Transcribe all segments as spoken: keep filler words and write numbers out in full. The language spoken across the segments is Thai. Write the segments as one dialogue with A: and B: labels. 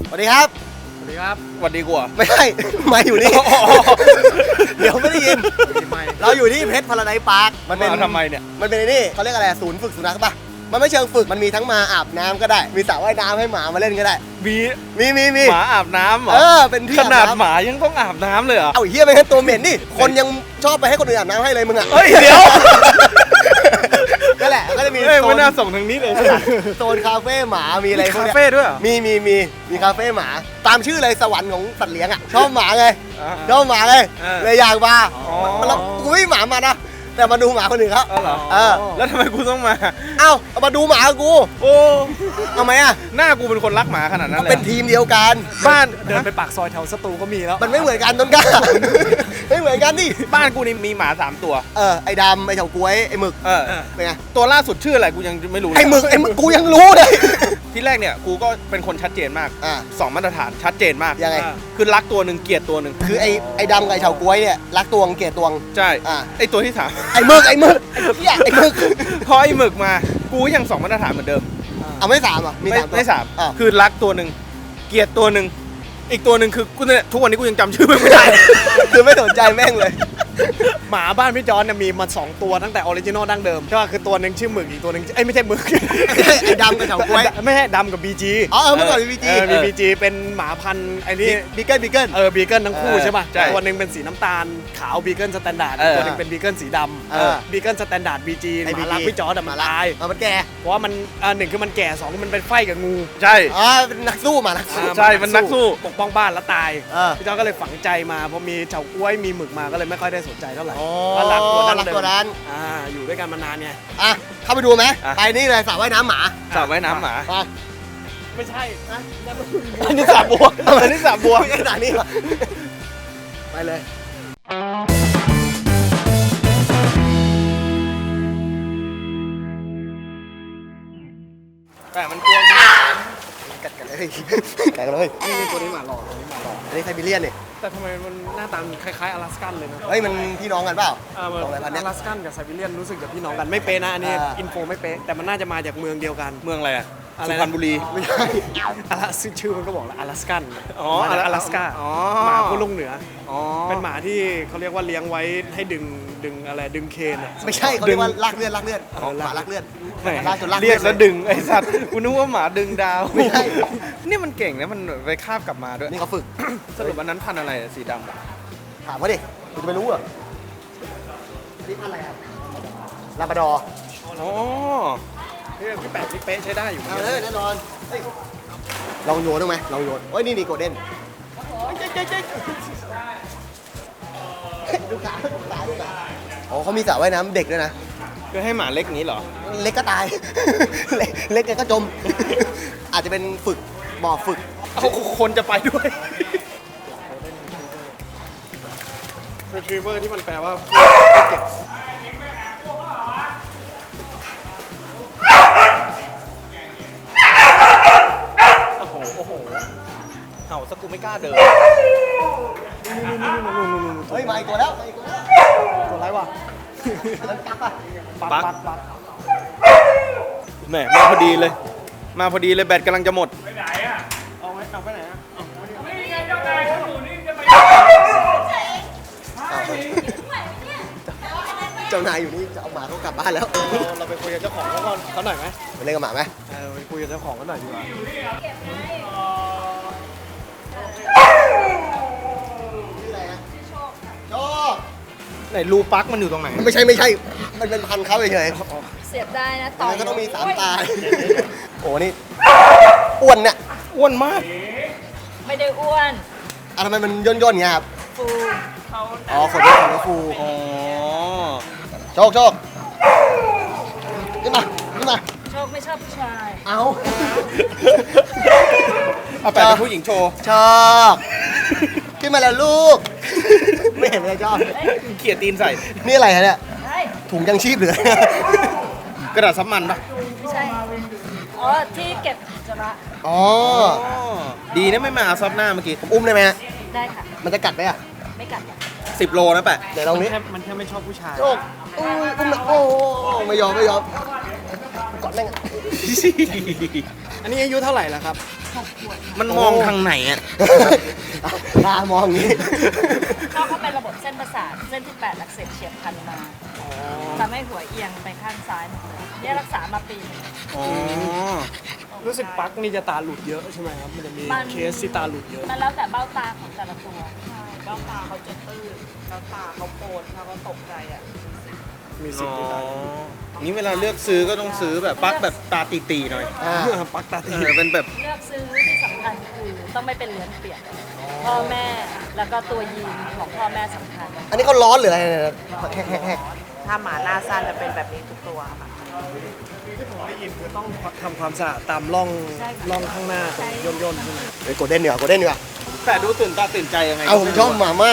A: สวัสดีครับ
B: สวัสดีครับ
C: สวัสดีกว่า
A: ไม่ใช่ไม่อยู่นี่เดี๋ยวไม่ได้ยินเราอยู่ที่เพชรพาราไดซ์พาร์ค
C: มันเป็นทำไมเนี่ย
A: มันเป็นนี่เขาเรียกอะไรศูนย์ฝึกสุนัขป่ะมันไม่เชิงฝึกมันมีทั้งมาอาบน้ำก็ได้มีสระว่ายน้ำให้หมามาเล่นก็ได้
C: มี
A: มีมีมี
C: หมาอาบน้ำเหรอ
A: เออเป็นที่
C: ขนาดหมายังต้องอาบน้ำเลยเหรอ
A: เอาเฮียไม่ใช่ตัวเหม็นนี่คนยังชอบไปให้คนอื่นอาบน้ำให้เลยมึงอ่ะ
C: เฮ้ยเดี๋ยว
A: นั่นแหละก็จะมี
C: โซนน่าส่งทางนี้เลย
A: โซนคาเฟ่หมามีอะไรพวกนี้
C: คาเฟ่ด้วย
A: มีมีมีมีคาเฟ่หมาตามชื่อเลยสวรรค์ของสัตว์เลี้ยงอ่ะชอบหมาไงชอบหมาไงเลยอยากมาแล้วกูไม่หมามานะแต่มาดูหมาคนอื่นเขา
C: เหรอ
A: เออ
C: แล้วทำไมกูต้องมา
A: เอ้ามาดูหมากู
C: โอ้
A: ทำไมอ่ะ
C: หน้ากูเป็นคนรักหมาขนาดนั้นเลย
A: เป็นทีมเดียวกัน
C: บ้าน
B: เดินไปปากซอยแถวสตูก็มีแล้ว
A: มันไม่เหมือนกันต้นกล้าไม่เหมือนกันดิ
C: บ้านกูนี่มีหมาสามตัว
A: เออไอ้ดำไอ้เฉาก๊วยไอ้หมึก
C: เออ
A: เป็นไง
C: ตัวล่าสุดชื่ออะไรกูยังไม่รู้
A: ไอ้หมึกไอ้หมึกกูยังรู้เลย
C: ที่แรกเนี่ยกูก็เป็นคนชัดเจนมากสองมาตรฐานชัดเจนมาก
A: ยังไง
C: คือรักตัวหนึ่งเกลียดตัวหนึ่ง
A: คือไอ้ไอ้ดำกับไอ้เฉาก๊วยเนี่ยรักตวงเกลียดตวง
C: ใช่ไอ้ตัวที่สาม
A: ไอ้หมึกไอ้หมึกไอ้หมึก
C: พอไอ้หมึกมากูยังสองมาตรฐานเหมือนเดิม
A: เอาไม่สามอ่ะมีสาม
C: ไม่สามคือรักตัวหนึ่งเกลียดตัวหนึ่งอีกตัวหนึ่งคือกูเนี่ยทุกวันนี้กูยังจำชื่อไม่ได้
A: คือไม่สนใจแม่งเลย
B: หมาบ้านพี่จอนเนี่ยมีมาสองตัวตั้งแต่ออริจินอลดั้งเดิมใช่ป่ะคือตัวหนึ่งชื่อหมึกอีกตัวหนึ่งเอ้ยไม่ใช่หมึก
A: ไอ้ดำกับเฉาก๊วย
B: ไม่ใช่ดำกับบีจี
A: อ๋อเมื่อก่อนมีบีจี
B: มีบีจีเป็นหมาพันธุ์ไอ้นี่
A: บีเกิลบีเกิล
B: เออบีเกิลทั้งคู่ใช่ป่ะตัวหนึ่งเป็นสีน้ำตาลขาวบีเกิลสแตนดาร์ดตัวหนึ่งเป็นบีเกิลสีดำบีเกิลสแตนดาร์ดบีจีหมาลักพี่จอนแต่หมาลาย
A: มันแก่
B: เพราะว่ามันอ่าหนึ่งคือมันแก่สองมันเป็นไฟกับงู
C: ใช่
A: อ๋อเป็นนักสู้มานักสู้
C: ใช่มันนักสู้
B: ปกป้องบ้านแล้วตายพี่จอนก็เลยฝังใจมาพอมีเฉาก๊วยมีหมึกมาก็เลยไม่ค่อยได้สนใจเท่าไหร่
A: ก็รักตัวนั้นรักตัวนั้น
B: อ่าอยู่ด้วยกันมานานไง
A: อ่ะเข้าไปดูไหมไปนี่เลยสระว่ายน้ำหมา
C: สระว่ายน้ำหมา
B: ไม่ใช่นะ
C: อันนี้สระบัวอันนี้สระบัว
A: ไม่ใช่สระนี่ไปเลย
C: แต่มันกลัว
A: กัดกันเลยกัดกันเลย
B: นี่ตัวนี้หมาหล่อตัวนี้หมาหล่อ
A: อันนี้ไซบีเรียนนี่
B: แต่ทำไมมันหน้าตาคล้ายๆอลาสกันเลยนะ
A: เฮ้ยมันพี่น้องกันเปล่า
B: อลาสกันกับไซบีเรียนรู้สึกจะพี่น้องกันไม่เป๊ะนะอันนี้อินโฟไม่เป๊ะแต่มันน่าจะมาจากเมืองเดียวกัน
C: เมืองอะไรอ่ะสุพรรณบุรี
A: ไม่ใช่
B: อลาสชื่อมันก็บอกแล้วอลาสกัน
C: อ๋อ
B: อลาสกาหมาผู้ลงเหนือเป็นหมาที่เขาเรียกว่าเลี้ยงไว้ให้ดึงดึงอะไรดึงเคนอ่ะ
A: ไม่ใช่เขาเรียกว่าลากเลือดลากเลือดหมาลากเลือด
C: ลากจนลากเรียกแล้วดึงไอ้สัตว์กูนึกว่าหมาดึงดาว
A: ไม่ใช่
C: นี่มันเก่งนะมันไปคาบกลับมาด้วย
A: นี่เขาฝึก
C: สรุปวันนั้นพันอะไรสีดำ
A: ถามเขาดิคุณจะไปรู้เหรอนี่พันอะไรครับลาบราดอร์
C: อ๋อ
B: พี่แปะพี่เป๊ะใช้ได้อยู่
A: เออแน่นอนลองโยนได้ไหมลองโยนโอ้ยนี่นี่โกลเด้นดูขาดูขาดูขาอ๋อเขามีสระว่ายน้ำเด็กด้วยนะ
C: คือให้หมาเล็กนี้เหรอ
A: เล็กก็ตายเล็กก็จมอาจจะเป็นฝึกบ่อฝึก
C: เอาคนจะไปด้วย
B: retriever ที่มันแปลว่าเก็บ
C: โอ้โหโอ้โหเห่าสักกูไม่กล้าเดิน
A: เฮ้ยมาอีกตัวแล้วมาอีกตัวแล้ว
B: ตัวไรวะ
A: ปัก
C: ปักปักแหมมาพอดีเลยมาพอดีเลยแบตกำลังจะหมด
B: ไปไหนอ่ะเอาไว้เอาไปไหนอ่ะไม่มีไงเจ้านายเขาอยู่นี่จะไป
A: เจ้านายอยู่นี่จะเอาหมาเขากลับบ้านแล้ว
B: เราไปคุยกับเจ้าของเขาก่อนเขาหน่อยไหม
A: ไปเล่นกับหมาไหม
B: เออไปคุยกับเจ้าของเขาหน่อยดีกว่า
A: ชื่ออะไรนะโชคโชค
C: ไหนรูปักมันอยู่ตรงไหน
A: ไม่ใช่ไม่ใช่มันเป็นพันเขาเฉย
D: เสียบได้นะต่อ
A: ก็ต้องมีสามตาโอ้นี่อ้วนเนี่ย
C: อ้วนมาก
D: ไม่ได้อ้วน
A: อ่ะทำไมมันย่นย่นเงี้ยครับ
D: ฟูเขา
A: อ๋อขนย่นของฟู
C: อ๋อ
A: โชคโชคขึ้นมาขึ้นมา
D: โชคไม่ชอบผู้ชาย
A: เอา
C: เอาไปเป็นผู้หญิงโชว์
A: ชอบขึ้นมาแล้วลูกไม่เห็นเลยชอบ
C: เขี่ยตีนใส่
A: นี่อะไรฮะเนี่ยถุงยังชีพหรือก
C: ระดาษซับมันปะ
D: ไม่ใช่อ๋อที่เก็บจระ
A: อ๋อ
C: ดีนะไม่มาซับหน้าเมื่อกี้
A: อุ้มได้ไหมฮะ
D: ได้ค่ะ
A: มันจะกัดไหมอ่ะ
D: ไม่กัด
C: สิบโลนะแปะ
A: เดี๋ยวลองนี้
B: มันแค่ไม่ชอบผู้ชาย
A: โชคอุ้ยอุ้มโอ้ไม่ยอมไม่ยอมกอดแม่ง
B: อันนี้อายุเท่าไหร่แล้วครับ
C: มันมองทางไหนอ่ะ
A: ตามองอย่างนี้
D: ก็เขาเป็นระบบเส้นประสาทเส้นที่แปดอักเสบเฉียบพลันมาทำให้หัวเอียงไปข้างซ้ายหมดเลยเนี่ยรักษามาปีหนึง
C: อ๋อ
B: รู้สึกปักนี่จะตาหลุดเยอะใช่ไหมครับ มันจะมี
D: มัน
B: เคสที่ตาหลุดเยอะ
D: มันแล้วแต่เบ้าตาของแต่ละตัว
E: ใช่เบ้าตาเขาจะตื้นแล้วตาเขาโปนถ้าเขาตกใจอ่ะ
B: มีสิท
C: อ๋อ
B: ธิ์ที่ตา
C: นี่เวลาเลือกซื้อก็ต้องซื้อแบบปลั๊กแบบตาตีๆหน่อย
A: อ่า
B: ปักตา
C: เอ
B: ตี
C: อเป็นแบบ
D: เลือกซื้อที่สำคัญคือต้องไม่เป็นเลือนเปียกพ่อแม่แล้วก็ตัวยีนของพ่อแม่สำคัญ
A: อันนี้เขาร้อนหรืออะไรเนี่ยแฮก
E: ถ้าหมาหน้าสั้นจะเป็นแบบนี้ทุกตัวค่ะ
B: ได้ยินคือต้องทำความสะอาดตามร่องร่องข้างหน้าตรงย่นย่นๆใช่ไหม
A: ๆเฮ้ยโกลเด้นดีกว่าโกลเด้นดีกว่า
C: แต่ดูตื่นตาตื่นใจยังไง
A: เอาผมชอบหมามาก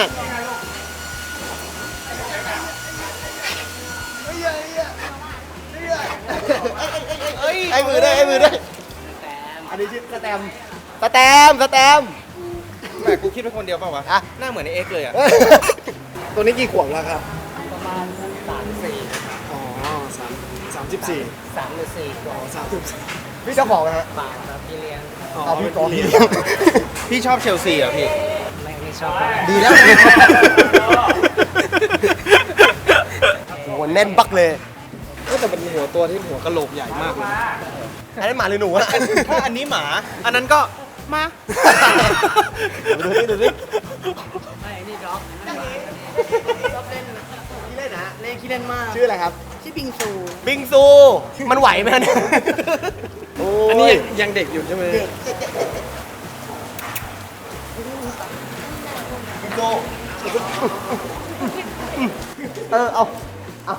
C: เอ้ย
A: ไอ้มือด้วยไอ้มือด้วยอันนี้ชื่อสแตมป์สแตมป์สแตมป์
C: แม่กูคิดเป็นคนเดียวเปล่าวะ
A: อ่ะ
C: หน้าเหมือนไอเอ็กซ์เลยอ่ะ
B: ตัวนี้กี่ขวบแล้วครับ
E: ประมาณสามสี่
B: อ๋อสามสามสิบสี่
E: สามหรือสี่ตัว
B: อ๋อสามสิบสี่
A: พี่เจ้าของนะฮะ
E: บาทครับพี่เลี้ยง
A: เอาพี่กอง
B: เลี้
A: พี่
B: ยง
A: เลี้ยง
C: พี่ชอบเชลซีเหรอพี่
E: ไม่ไม่ชอบ
A: ดีแล้วโอ้โหแน่นบักเลย
B: ก็แต่เป็นหัวตัวที่หัวกะโหลกใหญ่มากเลยนะ
A: อันนี้หมาหรือหนูอะ
C: ถ้าอันนี้หมา อันนั้นก็มา
A: ดูดิดูดิ
E: ไม่นี่ด็อกชอบเล่นขี้เล่นนะเล่นขี้เล่นมาก
A: ชื่ออะไรครับ
E: ชื่อบิงซู
A: บิงซู มันไหวไหมเนี่ยโ
B: อันนี้ยังยังเด็กอยู่ใช่ไหม
A: บิงซูเออ เอา เอา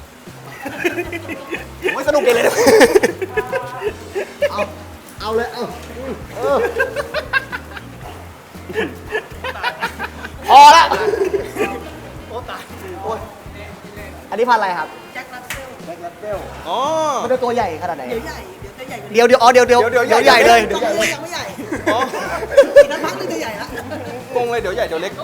A: โอ้ยสนุกเลยนะเอา เอาเลย เอาเออพอละโอ้ตายโอ้ยอันนี้พันธุ์อะไรครับ
E: แจ็ครัสเซล
A: แบล็กแรปเปล
C: อ๋อ
A: มันจะตัวใหญ่ขนาดไหน
E: เดี๋ยวใหญ่ เดี๋ยวจะใหญ่กว่านี้
A: เดี๋ยวเดี๋ยวอ๋อเดี๋ยวเดี๋ยว
C: เดี๋ยวเดี๋
A: เดี๋
C: ย
A: ยว วใหญ่เลย
E: ต
A: เดี๋ยว
E: อน
A: ใหญ่
E: นี้
A: เลย
E: ยังไม่ใหญ่
C: อ๋อ
E: อีกนักพักนึงจะใหญ่ละ
C: งงเลยเดี๋ยวใหญ่เดี๋ยวเล็ก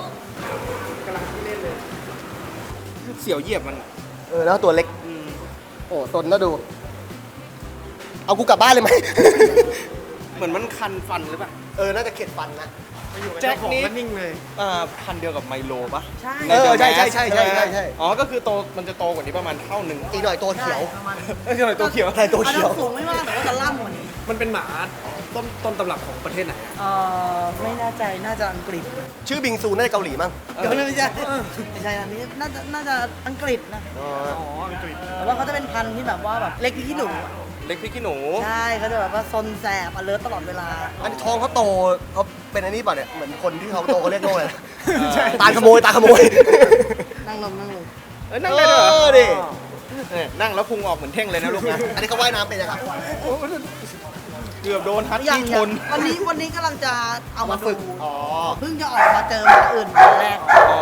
C: เสียวเหยียบมัน
A: เออแล้วตัวเล็ก โอ้ตนแล้วดู เอากูกลับบ้านเลยไหม
C: เหมือนมันคันฟันหรือเปล่า
A: เออ น่าจะเข็ดฟันนะ
C: แจ็คนี้
B: ก็นิ่งเลย
C: อ่าพันธุ์เดียวกับไมโลปะ
E: ใช่
A: เออใช่ใช่ใช่ใช่ใช่ใช่
C: อ๋อ ก็คือโต มันจะโตกว่านี้ประมาณเท่าหนึ่ง
A: อีกหน่อยตัวเขียว
E: ประมาณ
C: เอ้ยทำไมตัวเขียว
A: ใช่ตัวเขียว
E: อันนั้นสูงไม่มากแต่ว่าจะล่ำกว่านี้
B: มันเป็นหมาต้นต้นตำรับของประเทศไหน
E: เอ่อไม่แน่ใจน่าจะอังกฤษ
A: ชื่อบิงซูน่าจะเกาหลีมั้ง
E: เดี๋ยวไม่ใช่ไม่ใช่อันนี้น่าจะน่าจะอังกฤษนะ
A: อ๋อ
B: อ๋อ อังกฤษ
E: แต่ว่าเขาจะเป็นพันธุ์ที่แบบว่าแบบเล็กพริกขี้หนูอะ
C: เล็กพริกขี้หนู
E: ใช่เขาจะแบบว่าซนแสบอเลิร์ตลอดเวลา
A: อันนี้ท้องเขาโตเขาเป็นอันนี้ป่ะเนี่ย เหมือนคนที่เขาโตเขาเรียกโง่เลยตาขโมยตาขโมย
E: นั่งลงนั่งลง
C: เอ้ยนั่งได้ด้วยเหร
A: เอ
C: อ
A: อดิ
C: เนี่ยนั่งแล้วพุงออกเหมือนเท่งเลยนะลูกนะ
A: อันนี้เขาว่ายน้ำเป็นยังครับ
C: เกือบโดนฮัต
E: ยัง
C: ตี้ช
E: ยัง
C: น
E: วันนี้วันนี้กำลังจะเอามา
A: ฝึ
E: ฝึ
A: ก
E: ก
A: อ๋อ
E: เพิ่งจะออกมาเจอหมาอื่นวันแรก
C: อ๋อ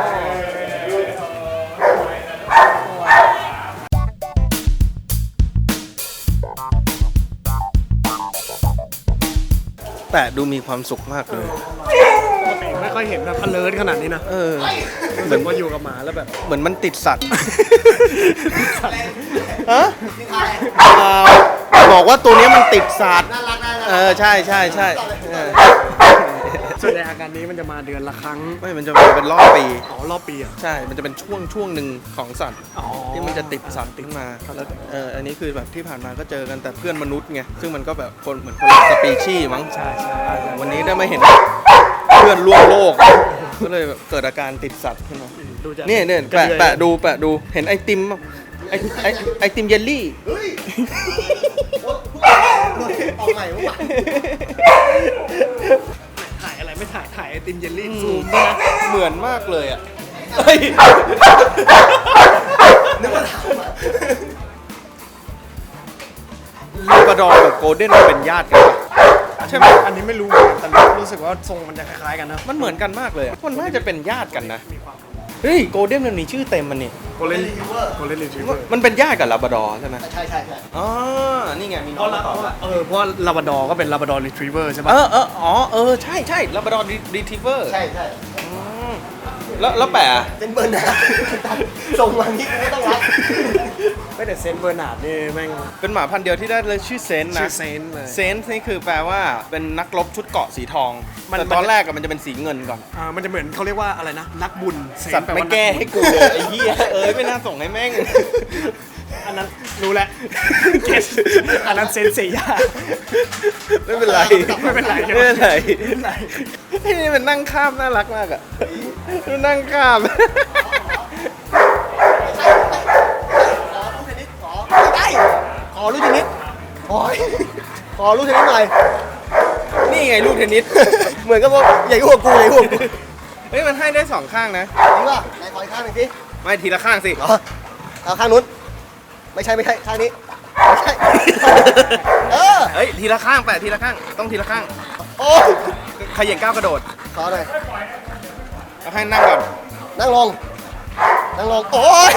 C: แต่ดูมีความสุขมากเลย
B: ปกติไม่ค่อยเห็นแบบ alert ขนาดนี้นะ
C: เออ
B: รู้สึกว่าอยู่กับหมาแล้วแบบ
C: เหมือนมันติดสัตว์
A: ฮะ
C: เอ่อบอกว่าตัวเนี้ยมันติดสัตว์
A: น่ารักน่ารัก
C: เออ ใช่ใช่ใช่เออ
B: ส่วนใหญ่อาการนี้มันจะมาเดือนละครั้ง
C: ไม่มันจะมาเป็นรอบปี
B: อ๋อ รอบปีอ่ะ
C: ใช่ มันจะเป็นช่วงช่วงหนึ่งของสัตว์
B: อ๋อ
C: ที่มันจะติดสัตว์ขึ้นมาแล้วเอออันนี้คือแบบที่ผ่านมาก็เจอกันแต่เพื่อนมนุษย์ไง ซึ่งมันก็แบบคนเหมือนคนละสปีชีส์มั้ง
B: ใช่ใช่
C: วันนี้ได้มาเห็นเพื่อนร่วมโลก ก็เลยแบบเกิดอาการติดสัตว์ขึ้นมา
B: ดูจาก
C: เนี่ยเนี่ยแปะแปะดูแปะดูเห็นไอติมป่ะไอไอไอติมเยลลี่
A: เฮ้ยเอาใหม่เมื่อวาน
B: ถ่ายอะไรไม่ถ่าย ถ่ายไอติมเยลลี่
C: ซู
B: ซู
C: ม
B: ม
C: ด้วยนะเหมือนมากเลยอ่ะเฮ้ย
A: นึกว่าถามอะ
C: ลาบราดอร์กับโกลเด้นมันเป็นญาติกันปะใช่ไหม
B: อันนี้ไม่รู้เหมือนกันแต่รู้สึกว่าทรงมันจะคล้ายๆกันนะ
C: มันเหมือนกันมากเลยอะมันน่าจะเป็นญาติกันนะ
B: มีความ
C: เฮ้ยโกลเด้นมันมีชื่อเต็มมันนี่
B: โกลเด้นโกลเด้นรีทรีเวอร์
C: มันเป็นญาติกับลาบราดอร์ใช่ไหม
A: ใช่ใช่ใช่
C: อ๋อนี่ไงมี
B: เพ
C: น้อง
B: ราะ
C: มาตอบละ
B: เออเพราะลาบราดอร์ก็เป็นลาบราดอร์รีทรีเวอร์ใช่
C: เอ
B: ปะ
C: อเอออ๋อเออใช่ใช่ลาบราดอร์รีทรีเวอร์
A: ใช่ใช่
C: แล้วแล้วแปะ
A: เป็นเบอร์นะส่งมานี้กูไม่ต้องรับ
B: ไม่แต่เซนต์เบอร์นาร์ดนี่แม่ง
C: เป็นหมาพันธุ์เดียวที่ได้เลยชื่อเซนต์
B: ชื่
C: นะ
B: อเซนต์เลย
C: เซนต์นี่คือแปลว่าเป็นนักรบชุดเกราะสีทอง
B: มัน
C: แต่ตอนแรกอะมันจะเป็นสีเงินก่อน
B: อ่ามันจะเหมือนเขาเรียกว่าอะไรนะ นักบุญเซน
C: สัต
B: ต์
C: ว์
B: แปล
C: ไม่
B: ว่านั
C: แก้
B: บุญ
C: ให้กูเลยไอ้เหี้ยเอ้ยไม่น่าส่งให้แม่ง
B: อันนั้นรู้แล้วเก็ตอันนั้นเซนเซีย
C: ไม่เป็นไร
B: ไม่เป็นไร
C: ไม่เป็นไร
B: ไม่เป็นไร
C: ไอ้นี่มันนั่งข้ามน่ารักมากอ่ะมันนั่งข้าม
A: ได้ขอลูกเทนนิสขอขอลูกเทนนิสหน่อย
C: นี่ไงลูกเทนนิส
A: เหมือนกับว่าใหญ่กว่ากูใหญ่กว่ากู
C: เฮ้ยมันให้ได้สองข้างนะ
A: จริงป่ะไหนขออีกข้างหนึ่งสิ
C: ไม่ทีละข้างสิ
A: เหรอเอาข้างนู้นไม่ใช่ไม่ใช่ข้างนี้ไม่ใช่เออ
C: เฮ้ยทีละข้างแปะทีละข้างต้องทีละข้าง
A: โอ้ย
C: ขยันก้าวกระโดด
A: ขอหน่อย
C: เอาให้นั่งก่อน
A: นั่งลงนั่งลงโอ้ย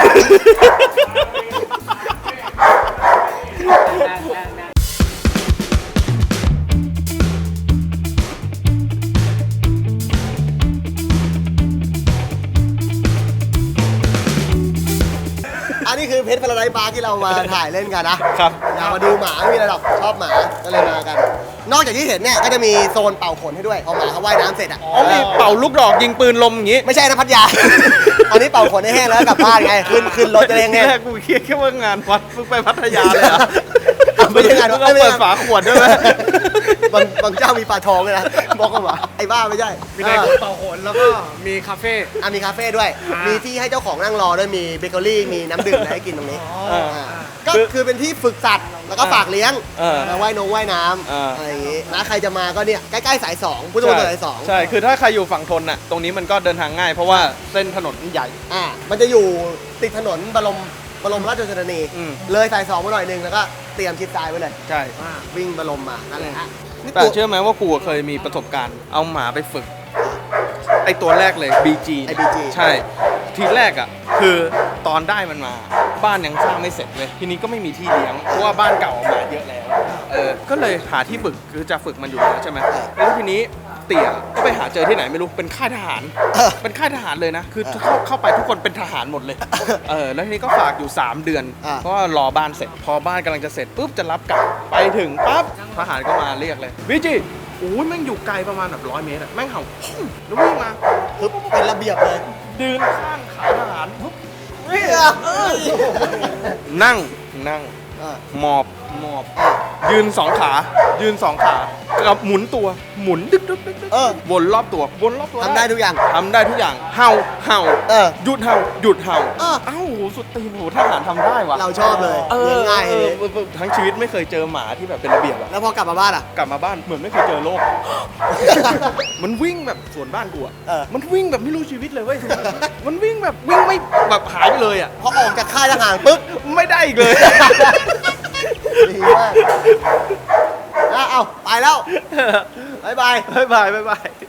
A: อันนี้คือเพชรพาราไดซ์บาร์ที่เรามาถ่ายเล่นกันนะครับ อยากมาดูหมาไม่มีอะไรหรอกชอบหมาก็เลยมากัน นอกจากที่เห็นเนี่ยก็จะมีโซนเป่าขนให้ด้วยพอหมาเขาว่ายน้ำเสร็จอ่ะ
C: อ๋อมีเป่าลูกดอกยิงปืนลมอย่างงี้
A: ไม่ใช่นะพัทยา อันนี้เป่าขนให้แห้งแล้วกลับบ้านไงขึ้นขึ้นรถจะได้
C: ที
A: แห้ง
C: แรกกูเครียดแค่ว่างานวัดเพิ่งไปพัทยาเลยอะ
A: ไม่ใช่งาน
C: มึ
A: วัด
C: งเอา
A: ไม่
C: เปิ
A: ใช่
C: ดฝาขวดด้วยไหม
A: บางบางเจ้ามีปลาทองเลยนะบอกกันว่าไอ้บ้าไม่ใช่
B: มีได้เป่าโหนแล้วก็มีคาเฟ่
A: อ่ะมีคาเฟ่ด้วย
B: อ่ามี
A: มีที่ให้เจ้าของนั่งรอด้วยมีเบเกอรี่มีน้ำดื่มอะไรให้กินตรงนี้
C: เออ
A: าก็คือเป็นที่ฝึกสัตว์แล้วก็ฝากเลี้ยง
C: เออ
A: มาว่ายนงว่ายน้
C: เออ
A: ำ
C: อ
A: อะไรอย่างงี้นะใครจะมาก็เนี่ยใกล้ๆสายสองพุทธมณฑลสายสอง
C: ใช่ คือถ้าใครอยู่ฝั่งทนน่ะ ตรงนี้มันก็เดินทางง่าย เพราะว่าเส้นถนนมันใหญ่
A: อ่ามันจะอยู่ติดถนนบรมบรมราชชนนี
C: อืม
A: เลยสายสองมาหน่อยหนึงแล้วก็เตรียมชิดซ้ายไว้เลย
C: ใช่
A: วิ่งบรมมานั่นแหละฮะนี่
C: แต่
A: ตัว
C: เชื่อไหมว่ากูเคยมีประสบการณ์ เอาหมาไปฝึก ไอตัวแรกเลย บี จี
A: ไอ้ บี จี
C: ใช่ ทีแรกอ่ะ คือตอนได้มันมา บ้านยังสร้างไม่เสร็จเลย ทีนี้ก็ไม่มีที่เลี้ยง เพราะว่าบ้านเก่าหมาเยอะแล้ว เออ ก็เลยหาที่ฝึก คือจะฝึกมันอยู่แล้วใช่ไหมแล้วทีนี้เตี่ยก็ไปหาเจอที่ไหนไม่รู้ เป็นค่ายทหาร เป็นค่ายทหารเลยนะ คือเข้าเข้าไปทุกคนเป็นทหารหมดเลย เออ แล้วทีนี้ก็ฝากอยู่ สาม เดือน
A: อ่า
C: เพราะว่ารอบ้านเสร็จ พอบ้านกำลังจะเสร็จปุ๊บจะรับกลับ ไปถึงปั๊บ ทหารก็มาเรียกเลยวิจิโอ้ยแม่งอยู่ไกลประมาณแบบร้อยเมตรอะแม่งเห่าพุ่งแล้ววิ่งมา
A: คือเป็นระเบียบเลย
C: ยืนข้างขาทหารปุ๊บ
A: เฮ้ย
C: นั่งนั่ง
A: เออ
C: หมอบหมอบ ยืนสองขา ยืนสองขากับหมุนตัวหมุนดึกดึกดึกดึก
A: เออ
C: วนรอบตัววนรอบตัว
A: ทำได้ทุกอย่าง
C: ทำได้ทุกอย่างเห่าเห่า
A: เออ
C: หยุดเห่าหยุดเห่า
A: เออ
C: เอ้าโหสุดตีนโหทหารทำได้วะ
A: เราชอบเลย
C: เออ
A: เลี้ยงง่าย
C: เอ
A: เล
C: อย เออทั้งชีวิตไม่เคยเจอหมาที่แบบเป็นระเบียบอะ
A: แล้วพอกลับมาบ้านอ่ะ
C: กลับมาบ้านเหมือนไม่เคยเจอโลก มันวิ่งแบบสวนบ้านกูอะ
A: เออ
C: มันวิ่งแบบไม่รู้ชีวิตเลยเว้ย มันวิ่งแบบวิ่งไม่แบบหายไปเลยอะ
A: พอออกจากค่ายทหารปุ๊บ
C: ไม่ได้อีกเลย
A: ดีมากอ่ะเอาไปแล้ว บ๊ายบาย
C: บ๊ายบายบ๊ายบาย